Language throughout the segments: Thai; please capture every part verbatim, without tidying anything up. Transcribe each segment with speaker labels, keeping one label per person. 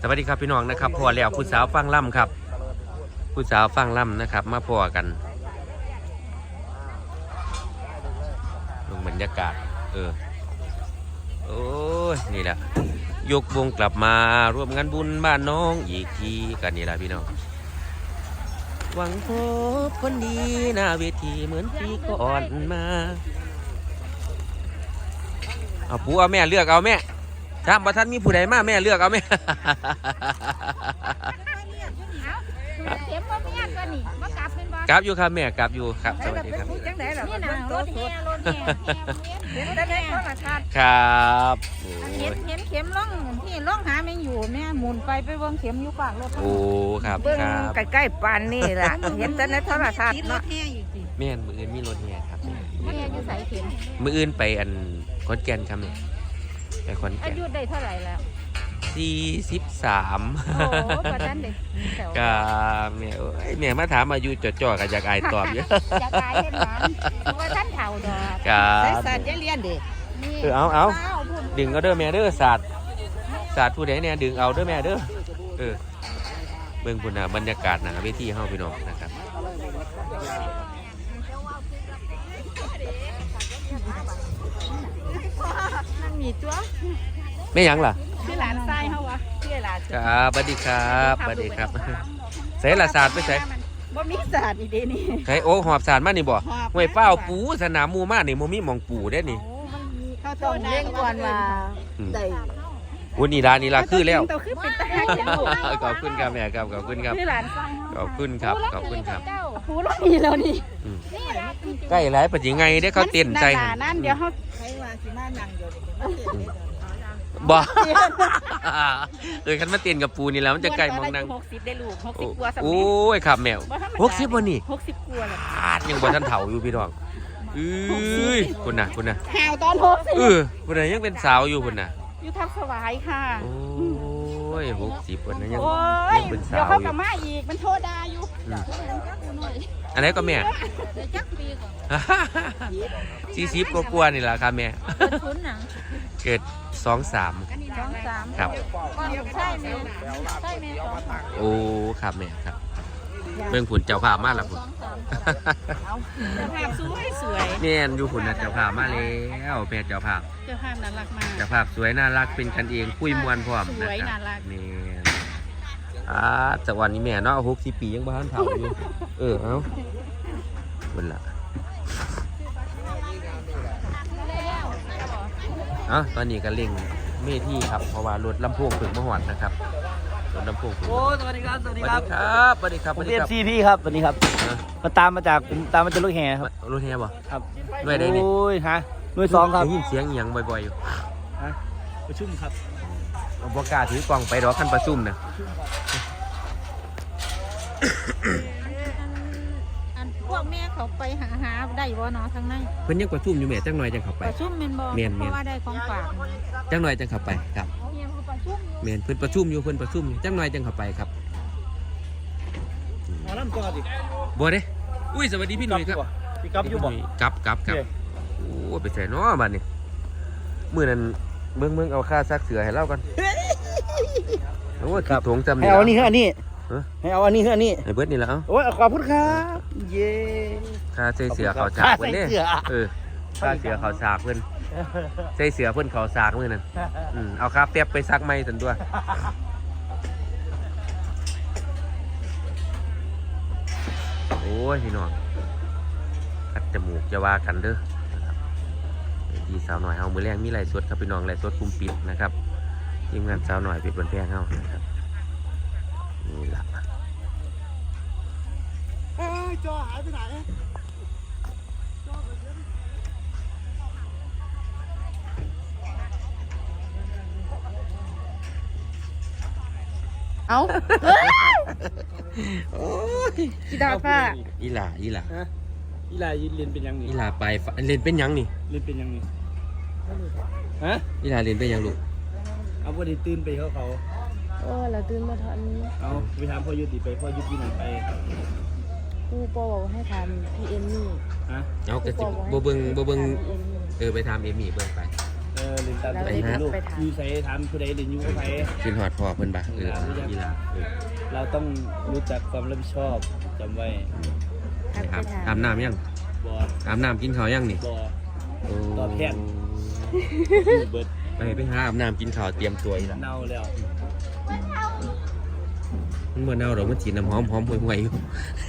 Speaker 1: วัสดีครับพี่น้องนะครับพอแล้วผู้สาวฟังล่ำครับผู้สาวฟังล่ำนะครับมาพอกันลงบรรยากาศเออโอ้ยนี่แหละยกวงกลับมาร่วมงานบุญบ้านน้องอีกทีกันนี่แหละพี่น้องหวังพบคนดีหน้าเวทีเหมือนปีก่อนมาเอาปู่เอาแม่เลือกเอาแม่ถ้าบ่ท่านมีผู้ใดมาแม่เลือกเอาแม่
Speaker 2: เข็มว่ามีตัวนี้ว่ากลับเป็นบ่
Speaker 1: กลับอยู่ครับแม่กลับอยู่ครับสวัสดีครับ
Speaker 2: จังได๋ล่ะนี่น่ะรถแห่รถแห่เห็นแต่ในโทรทัศน์
Speaker 1: ครับ
Speaker 2: เห็นเห็นเข็มล่องที่ล่องหาแม่งอยู่แม่หมุนไปไปเบิ่งเข็มอยู่ปากรถ
Speaker 1: โอ้ครับ
Speaker 3: เบิ่ง
Speaker 1: ครับ
Speaker 3: ใกล้ๆปานนี่ล่ะเห็นแต่ในโทรทัศน์เนาะ
Speaker 1: แม่นมืออื่นมีรถแห่ครับ
Speaker 2: แม่อยู่ไสเข็ม
Speaker 1: มืออื่นไปอันขอนแก่นครับแม่ไปขอน
Speaker 2: อา
Speaker 1: แก่น
Speaker 2: ยุได้เท่าไหร่แล้ว
Speaker 1: สี่สิบสาม
Speaker 2: โอ้บ่ทันได้แถว
Speaker 1: ก็แม่เอ้ยแม่มาถามอายุจ่อๆกับอยากอายตอบเยอะ
Speaker 2: อยากตายเห็นหยังว่าท่านเฒ่าดอก
Speaker 1: ครั
Speaker 3: ใส่
Speaker 1: บ
Speaker 3: สัตว์อย่าเรียนดิ
Speaker 2: นี่
Speaker 1: เออเอาเอา
Speaker 2: พูด
Speaker 1: ดึงเอาเด้อแม่เด้อศาสตร์ศาสตร์ผู้ใดเนี่ยดึงเอาเด้อแม่เด้อเออเบิ่งพุ่นน่ะบรรยากาศหน้าเวทีเฮาพี่น้องนะครับ
Speaker 2: นั่นมีตัว
Speaker 1: แม่หยังล่ะ
Speaker 2: ชื่อหลานทรายเฮาวะชื่อหลาน
Speaker 1: ครับสวัสดีครับสวัสดีครับใส่ละศาสตร์ไปใส่
Speaker 2: บ่มีศาสตร์อีเด้นี่
Speaker 1: ใส่โอ้หอบศาสตร์มานี่บ่ห้วยเป้าปูสนามหมู่มานี่บ่มีหม่องปูเด้นี่
Speaker 2: เขาต้องเล่นก่อนว่า
Speaker 1: อืม
Speaker 2: ได้
Speaker 1: โอ้นี่ล่ะนี่ล่ะคือแล้ว
Speaker 2: ตัวคือเป็นตาหักจังลูก
Speaker 1: ขอบคุณครับแม่ครับขอบคุณครับ
Speaker 2: ชื่อหลานทราย
Speaker 1: ขอบคุณครับขอบคุณครับ
Speaker 2: หูเรามีแล้วนี่
Speaker 1: อืม
Speaker 2: นี่ล่ะ
Speaker 1: ใกล้หลายปัจจัยไงได้เขาเต้นใจ
Speaker 2: นั่นนั่นเดี๋ยวเขา
Speaker 3: ให้ว่าสิมานั่งอยู่นี่
Speaker 1: บ่เออคันมาเต้นกับปูนี่แล้วมันจะใกล้มองนั่ง
Speaker 2: หกสิบได้ลูกหกสิบกว่าสำ
Speaker 1: โอ้
Speaker 2: เร็จ
Speaker 1: ยครับแมวหกสิบวันนี่
Speaker 2: หกสิบกว่าแล้ว
Speaker 1: อาดยังบ่ทันเฒ่าอยู่พี่น้องเอ้ยคุณน่ะคุณน่ะ
Speaker 2: แหวตอนหกสิบ
Speaker 1: เออคุณน่ะยังเป็นสาวอยู่คุณน่ะ
Speaker 2: อยู่ทับสวายค่ะ
Speaker 1: โอ้ยหกสิบวันนั้นยัง
Speaker 2: โอ้ย
Speaker 1: ยังเป็น
Speaker 2: เดี๋ย
Speaker 1: สาว ว
Speaker 2: เขา
Speaker 1: อก
Speaker 2: ลั
Speaker 1: ยู่
Speaker 2: บมาอีกมันโทษดาอยู่
Speaker 1: อืมอันไหนก็แม่
Speaker 2: จักปีก่อน
Speaker 1: สี่สิบกว่าๆนี่ล่ะครับแม่
Speaker 2: ทุนหนัง
Speaker 1: เกิดสองสาม
Speaker 2: สองสาม
Speaker 1: ครับ
Speaker 2: ก้อนใช่ไหมใช่ไหมสองสาม
Speaker 1: โอ้ครับแม่ครับเบิ่งผุนเจ้าภาพมาแล้วพุ่น
Speaker 2: สองสามเจ้าภาพสวยสวย
Speaker 1: แม่นอยู่ผุนน่ะเจ้าภาพมาแล้วแม่เจ้าภาพ
Speaker 2: เจ้าภาพน่ารักมาก
Speaker 1: เจ้าภาพสวยน่ารักเป็นกันเองคุยมวนพร้อม
Speaker 2: ส
Speaker 1: นะ
Speaker 2: วย
Speaker 1: ครั
Speaker 2: น่า
Speaker 1: บ
Speaker 2: รัก
Speaker 1: แม่นอ่าจากวันนี้แม่เนาะหกสิบปียังบ้านเฒ่าอยู่เออเอาเบิ่นล่ะเอ้าตอนนี้ก็เร่งเมที่ครับเพราะว่ารถลำโพงถึงมหอดนะครับรถลำโพงถึง
Speaker 4: โอ้สวัสดีครับสวัส
Speaker 1: ส
Speaker 4: ดี
Speaker 1: วัส
Speaker 4: ครั
Speaker 1: ดี
Speaker 4: บ
Speaker 1: ครับสวัสดีครับ
Speaker 4: ผม
Speaker 1: สวัสดี
Speaker 4: เรีย
Speaker 1: คน รับ
Speaker 4: ซีพี่ครับสวัสดีครับ
Speaker 1: ฮะ
Speaker 4: มาตามมาจากผมตามมาจากลูกแห่ครับ
Speaker 1: รถแฮบ่
Speaker 4: ครับ
Speaker 1: ด้วยได้นี่
Speaker 4: โอ้ยฮะหน่วยสองครับ
Speaker 1: ได้ยินเสียงอีหยังบ่อยๆอยู่
Speaker 4: ฮะประชุมครับ
Speaker 1: เอาบ่กล้าถือกล่องไปดอกคันประชุมนะ
Speaker 2: อันพวกแม่เขาไปหาหาได้บ่เนาะทางใน
Speaker 1: เพิ่นยังประชุมอยู่แม่จังหน่อยจังเข้าไป
Speaker 2: ประชุมแม่นบ่
Speaker 1: แม่นๆ
Speaker 2: เพราะว่าได้ของฝาก
Speaker 1: จังหน่อยจังเข้าไปครับ
Speaker 2: เฮียเขาประชุมอยู่
Speaker 1: แม่นเพิ่นประชุมอยู่เพิ่นประชุมอยู่จังหน่อยจังเข้าไปครับ
Speaker 4: เอาล่ำก่อนดิ
Speaker 1: บ่เด้อุ้ยสวัสดีพี่หนุ่ยครับ
Speaker 4: พี่กับอยู่บ่
Speaker 1: กลับกลับกลับ
Speaker 4: โอเค
Speaker 1: โอ้ไปใส่เนาะบัดนี้มื้อนั้นเบิ่งเบิ่งเอาค่าซักเสือให้เราก่อนโอ้ยคิดถงจำ
Speaker 4: ให้
Speaker 1: นี่
Speaker 4: เอาอันนี้ให้อันนี้
Speaker 1: ฮะ
Speaker 4: ให้เอาอันนี้ให้อันนี้
Speaker 1: ให้เบิดนี่ละเอ้า
Speaker 4: โอ้ยขอบคุณครับเย้
Speaker 1: ค่าใส่เสือเขาฉากเพิ่นเด้
Speaker 4: ค่าใส่เสื้อ
Speaker 1: เออค่าเสือเขาฉากเพิ่นใส่เสือเพิ่นเขาฉากมื้อนั้นอืมเอาค่าแป๊บไปซักใหม่ซั่นตัวโอ้ยพี่น้องกัดจมูกจะว่ากันเด้อนะครับทีสาวหน่อยเฮามื้อแรงมีไลฟ์สดครับพี่น้องไลฟ์สดกลุ่มปิดนะครับทีมงานสาวหน่อยปิดบนแพงเฮานะครับนี่ล่ะ
Speaker 4: เอ้ยจอหายไปไหน
Speaker 2: เอา
Speaker 1: โอ้ย
Speaker 2: กีดาฟ้า
Speaker 1: อีหล่าอีหล่า
Speaker 4: ฮะอีลายืนเรียนเป็นยังนี่
Speaker 1: อีหล่าไปฝเล่นเป็นหยังนี่
Speaker 4: เรียนเป็นยังนี่ฮะ
Speaker 1: อีหล่าเล่นเป็นหยังลูก
Speaker 4: เอาพอดีตื่นไปเขาเขา
Speaker 5: โอ้เราตื่นมาทัน
Speaker 4: เอาไปถามพ่อยุติไปพ่อยุตินั่นไป
Speaker 5: ครูปอบอกให้ทำพีเอ็มนี่
Speaker 4: ฮะ
Speaker 1: เอากระสิบบ่เบิ่งบ่เบิ่ง
Speaker 5: พีเอ็มนี่
Speaker 1: เออไปทำเอมี่เบิ่งไป
Speaker 4: เเออเรียนตามใจเป็นลูกอยู่ใส่ถามผู้ใดเรียนอยู่กับใคร
Speaker 1: กินหอดพ่อเพิ่นบ่เอออีหล่าเออ
Speaker 4: เราต้องรู้จักความรับผิดชอบจำไว้
Speaker 1: นะครับอาบน้ำยัง
Speaker 4: บอ
Speaker 1: อาบน้ำกินข้าวยังนี่
Speaker 4: บอ
Speaker 1: โอ้
Speaker 4: ตอบแทน เบิด
Speaker 1: ไปไปหาอาบน้ำกินข้าวเตรียมตัวอีกแล้ว
Speaker 4: เน่าแล้ว
Speaker 1: มันบ่เน่าดอกมันฉีดน้ำหอมหอมห่วยๆอยู่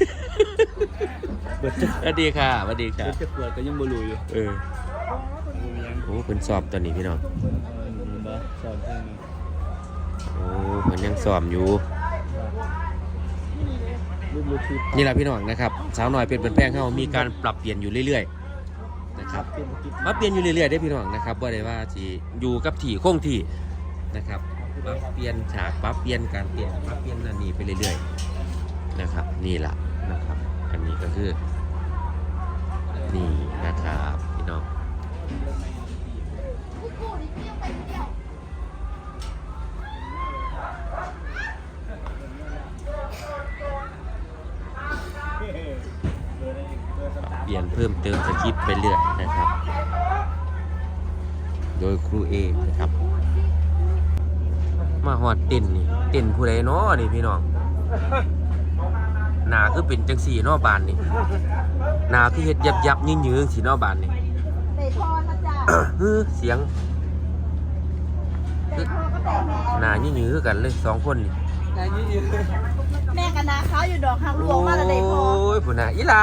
Speaker 4: เบิดจะ
Speaker 1: สวัสดีค่ะสวัสดีค่ะ
Speaker 4: เบิดจะปวดก็ยังบ่รู้อยู่
Speaker 1: เออ
Speaker 4: บ่มีหยัง
Speaker 1: โอ้เพิ่นสอบตอนนี้พี่น้อง
Speaker 4: เออบ่สอนทาง
Speaker 1: โอ้เพิ่นยังสอบอยู่
Speaker 4: รูปรูปคือ
Speaker 1: นี่แหละพี่น้องนะครับสาวน้อยเป็นเป็นแป้งเขามีการปรับเปลี่ยนอยู่เรื่อยๆนะครับ
Speaker 4: เป็นกิจ
Speaker 1: ปรับเปลี่ยนอยู่เรื่อยๆได้อพี่น้องนะครับว่าได้ว่าที่อยู่กับที่คงที่นะครับปรับเปลี่ยนฉากปรับเปลี่ยนการเปลี่ยนปรับเปลี่ยนนั่นนี่ไปเรื่อยๆนะครับนี่แหละนะครับอันนี้ก็คือนี่นะครับพี่น้องเปลี่ยนเพิ่มเติมสคริปต์ไปเรื่อยนะครับ โดยครูเอนะครับมาหอดเต้นนี่เต้นผู้ใดเนาะนี่พี่น้องหนาคือเป็นจังสี่เนาะบานนี่หนาคือเฮ็ดยับยับยืนยืนสีเนาะบานนี่
Speaker 2: ใส่ทอนนะจ๊ะ
Speaker 1: ฮือเสียง
Speaker 2: ใส่ทอนก็ใส่แม่
Speaker 1: หนายืนยืนกันเลยสองคนนี่
Speaker 2: แม่กับนาเขาอยู่ดอกทางหลวงมาแล้วได้พอ
Speaker 1: โอ้ยผู้น่ะอีหลา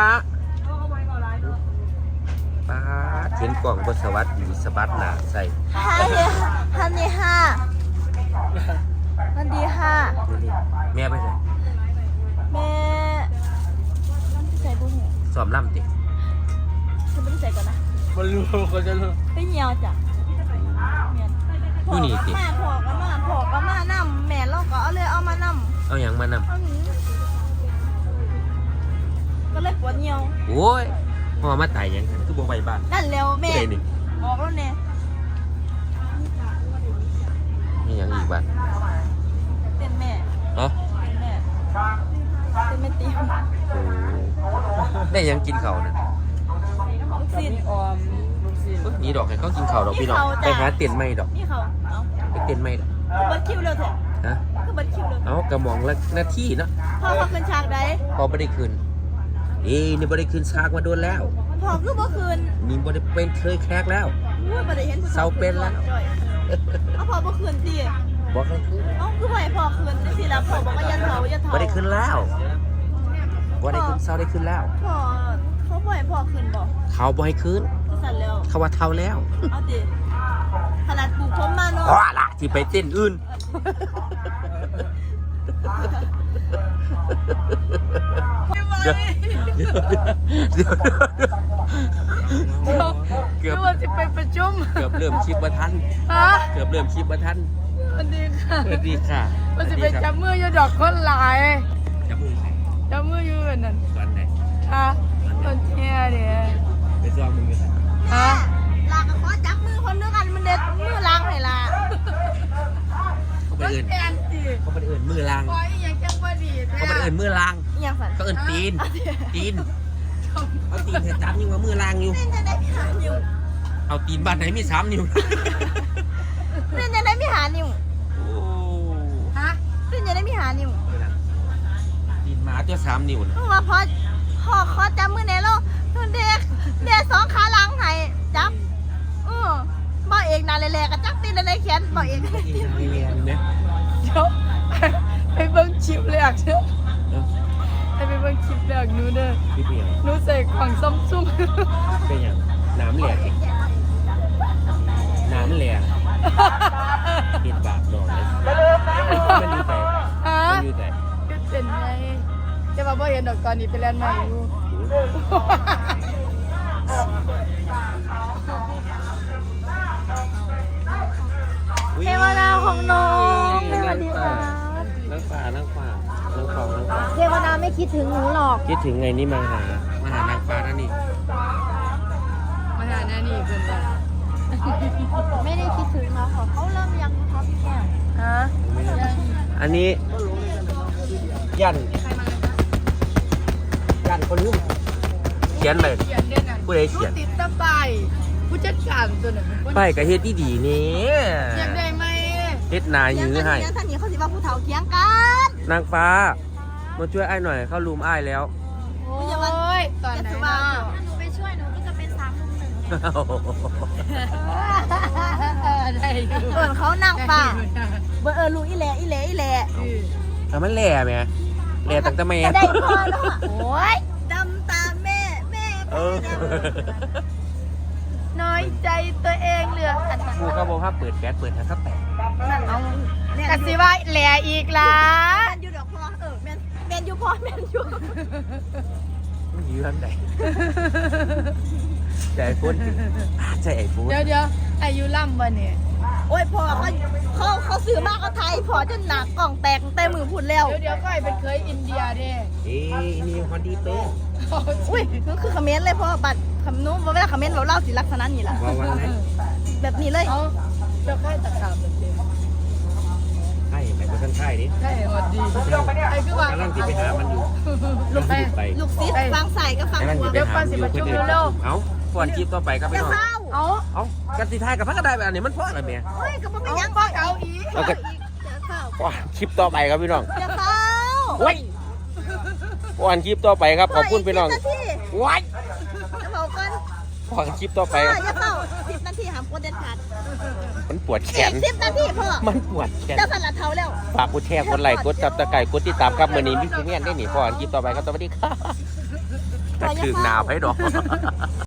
Speaker 1: ป้าดเห็นกล่องบสวัสดีสะบัดหนาใส่
Speaker 2: ฮะเนี่ยฮันนี่ห้ามันดีห้า
Speaker 1: นี่ๆแม่ไปใส่
Speaker 2: แม่ใส่บุ้งเนี่ย
Speaker 1: ซ้อมล่ำติ
Speaker 2: ฉันไม่ได้ใส่ก่อนนะ
Speaker 4: บ่รู้เขาจะรู้
Speaker 2: ไม่เหี่ยวจ้ะเมียน
Speaker 1: อยู่นี่ติ
Speaker 2: แม่พอก็มาพอก็มานำแม่เราก็เอาเลยเอามานำ
Speaker 1: เอาหยังมานำ
Speaker 2: เอาหนีก็เลยปวดเหี่ยว
Speaker 1: โอ้ยพ่อมาตายหยังคือบ่ไปบ้าน
Speaker 2: นั่นแล้วแม่
Speaker 1: ผู้ใดนี่
Speaker 2: บอกแล้วเนี่ย
Speaker 1: มีหยังอีกบ้าน
Speaker 2: เป็นแม่
Speaker 1: เนาะ
Speaker 2: เป็นแม่เป็นแม่ตีม
Speaker 1: ได้หยังกินข้าวน่ะ
Speaker 2: ลูกศิษย์
Speaker 3: ออมลูกศิษย์
Speaker 1: เอ้ยนี่ดอกให้เขากินข้าวดอกพี่น้อง
Speaker 2: มีข้าวจ้ะ
Speaker 1: ไปหาเต็นท์ใหม่ดอก
Speaker 2: นี่เขาเอา
Speaker 1: ไปเต็นท์ใหม่ดอก
Speaker 2: คือบัดคิวเลยเถอะ
Speaker 1: ฮะ
Speaker 2: คือบัดคิวเลย
Speaker 1: เอากระหม่องละหน้าที่เนาะ
Speaker 2: พ่อเขาคืนฉากใด
Speaker 1: พอบ่ได้คืนเอ้นี่บ่ได้คืนซากมาโดนแล้ว
Speaker 2: พ่อคือบ่คืน
Speaker 1: นี่บ่ได้เป็นเคยแคกแล้ว
Speaker 2: อุ้ยบ่ได้เห็นผู้
Speaker 1: เศร้าเป็นแล้ว
Speaker 2: จ่อยเอาพ่อบ่คืนสิ
Speaker 1: บ่เคยคืน
Speaker 2: เอ้าคือบ่ให้พ่อคืนจังซี่ล่ะพ่อบอกว่าอย่าเฒ่าอย่าเฒ่า
Speaker 1: บ่ได้คืนแล้วบ่ได้คืนเศร้าได้คืนแล้ว
Speaker 2: พ่อเขาบ่ให้พ่อคืนบ่
Speaker 1: เขาบ่ให้คืน
Speaker 2: คือสั่นแล้ว
Speaker 1: เขาว่าเท่าแล้ว
Speaker 2: เอาดิขนาดปลูกผมมาเนาะ
Speaker 1: พอละที่ไปเต้นอื่นเดี๋ยวเดี๋ยวเดี๋ยวเกือบ
Speaker 5: ว่าจะไปประชุม
Speaker 1: เกือบเริ่มคลิปบ่ทัน
Speaker 5: ฮะ
Speaker 1: เกือบเริ่มคลิปบ่ทัน
Speaker 5: สวัสดีค่ะ
Speaker 1: สวัสดีค่ะ
Speaker 5: ว่าจะไปจับมืออยู่ดอกคนหลาย
Speaker 1: จับมือใคร
Speaker 5: จับมืออยู่แบบนั้น
Speaker 1: ตอนไหน
Speaker 5: ฮะตอนเที่ยเนี่ย
Speaker 1: ไปซ้อมมึงกัน
Speaker 5: ฮะ
Speaker 2: ลาก็ขอจับมือคนด้วยกันมันเด็ดมือล้างให้ล่ะ
Speaker 1: เขาไปเอิน
Speaker 5: แอนจี
Speaker 1: เขาไปเอินมือลาง
Speaker 5: ปล่อยอีหยังจังบ่ดีแท้
Speaker 1: เขาไปเอินมือลาง
Speaker 2: อีหยังสั่น
Speaker 1: เขาเอินตีนตีนเอาตีนเธอจับยังว่ามือลางอยู่
Speaker 2: เล่นจะได้มีหานิ้ว
Speaker 1: เอาตีนบ้านไหนมีสามนิ้ว
Speaker 2: เล่นจะได้มีหานิ้ว
Speaker 1: โอ้
Speaker 2: ฮะเล่นจะได้มีหานิ้ว
Speaker 1: ตีนหมาตัวสามนิ้วนะ
Speaker 2: เพราะว่าพอพอขอจับมือแน่แล้วเด็กเด็กสองขาหลังให้จับเออบ่เอกนาเลยแลกับจับตีนในแขนบ่เอก
Speaker 1: เอ็นไม่เรียนไหม
Speaker 5: เดี๋ยวไปเบิ่งคลิปแรกเด้อให้ไปเบิ่งคลิปแรกหนูเด้อ
Speaker 1: พี่เพียง
Speaker 5: หนูใส่ของซัมซุง
Speaker 1: เป็นอย่างน้ำแหลกน้ำแหลกปิดปากดอกเลยมันอยู่ไหน
Speaker 5: ฮะ
Speaker 1: มันอยู่ไหน
Speaker 5: ก็เป็นไงจะมาบ่เห็นดอกตอนนี้ไปเล่นใหม่อยู่
Speaker 2: เทวดาของน้องสวัสดีค่ะ
Speaker 1: นั่งป่านั่งป่านั่งป่านั่งป่า
Speaker 2: เทวดาไม่คิดถึงหนูหรอก
Speaker 1: คิดถึงไงนี่มาหามาหานางฟ้าแล้วนี่
Speaker 5: มาหาหน้านี่เพิ่นว่า
Speaker 2: ไม่ได้คิดถึงเขาค่ะเขาเริ่มยังนะคะพี่แก้ว
Speaker 5: ฮะ
Speaker 1: อันนี้ยันยันคนลืมเขียนไป
Speaker 5: เขียนเด่นน่ะ
Speaker 1: ผู้ใดเขียน
Speaker 5: ติดตะไบผู้ผู้จัดการตัวนั้นเป็นคน
Speaker 1: ไปกับเฮ็ดดีๆนี่
Speaker 5: อยากได้ไหม
Speaker 1: เฮ็ดนายื้อให้
Speaker 2: เถียงท่านนี้เขาสิว่าผู้เฒ่าเถียงกัน
Speaker 1: นางฟ้ามาช่วยไอ้หน่อยเข้ารูมไอ้ายแล้ว
Speaker 5: โอ้ยตอนไหน
Speaker 2: จะ
Speaker 5: เนาะ
Speaker 2: ถ้าหนูไปช่วยหนูก็จะเป็นสามลุมหนึ่ง
Speaker 5: ได้อยู่
Speaker 2: เออเขานั่งป่าเบอร์เออลูกอีแหล่อีแหล่อีแหล่
Speaker 1: แต่มันแหล่ไหมแหล่ตั้งแต่แม่
Speaker 2: จะได้พอเนาะโอ้ยดำตามแม่แม่
Speaker 1: เออ
Speaker 2: น้อยใจตัวเองเหลืออันนั้น
Speaker 1: ครูเขาบอกว่าเปิดแก๊สเปิดทางก็แตก
Speaker 2: เอาแม่น
Speaker 5: กะ
Speaker 2: อ
Speaker 5: สิ
Speaker 2: ยู่
Speaker 5: ว่าแหล่อีกล่ะ
Speaker 2: แม่นอยู่ดอกพอเออแม่นแม่นอยู่พอแม่นอยู่
Speaker 1: มันยื้อทางไหนใจไอ้ฟุ้นใจไอ้ฟุ้น
Speaker 5: เดี๋ยวเดี๋ยวอายุล่ำบ่เนี่ย
Speaker 2: โอ้ยพอเขาเขาเขาซื้อมากเขาไทยพอจนหนักกล่องแตกแต่มือพุ่นแล้ว
Speaker 5: เดี๋ยวเดี๋ยวก็เป็นเคยอินเดียเด้
Speaker 1: เอ้ยนี่ฮอนดีเป้
Speaker 2: อุ้ยนั่นคือคอมเมนต์เลยเพราะว่าบัตรคำนู้นเวลาคอมเมนต์เราเล่าสิลักษณะนี้แหละ
Speaker 1: ว่าวันไหน
Speaker 2: แบบนี้เลย
Speaker 5: เอาเจ้าค่ายตะขาบเด้
Speaker 1: ใช่ไหมคนข้างๆนี่
Speaker 5: ใช่หวัดดีไอ้คือว่าก
Speaker 1: ำลังที่ไปหามันอยู่
Speaker 2: ลูก
Speaker 1: ไปไป
Speaker 2: ลูกซิดฟังใส่ก็ฟัง
Speaker 1: กำลัง
Speaker 2: หัว
Speaker 1: ที่ไปหามันอยู่คนอื่นเอ้าก่อนคลิปต่อไปครับ
Speaker 2: อ
Speaker 1: พี่
Speaker 2: ย่า
Speaker 1: น้อง
Speaker 2: เข้า
Speaker 5: เอา
Speaker 1: เอ้ากันสิทายกับพักกระไดแบบนี้มันเพราะอะไรเมีย
Speaker 2: เฮ้ยก็ไม่
Speaker 5: เอา
Speaker 2: ยัง
Speaker 5: ปักเอาอีก
Speaker 1: เอากัน
Speaker 2: อย่าเข้า
Speaker 1: ก่อนคลิปต่อไปครับพี่น้อง
Speaker 2: อย่าเข้า
Speaker 1: ว้ยก่อนคลิปต่อไปครับขอบคุณพี่น้อง
Speaker 2: สิบนาที
Speaker 1: ว้าย
Speaker 2: จะบอกกัน
Speaker 1: ก่อนคลิปต่อไป
Speaker 2: พ่ออย่าเข้าสิบนาทีหามโคตรเด็ดขาด
Speaker 1: มันปวดแข
Speaker 2: อี
Speaker 1: น
Speaker 2: กสิบนาทีพ่อ
Speaker 1: มันปวดแขน
Speaker 2: เจ้าสันละเท้าแล้ว
Speaker 1: ฝากกดแชร์กดไลค์กดซับสไครต์กดติดตามครับมื่อนี้มีพี่เมียนได้หนีก่อนคลิปต่อไปครับสวัสดีครับกระถึงหนาวให้ดอก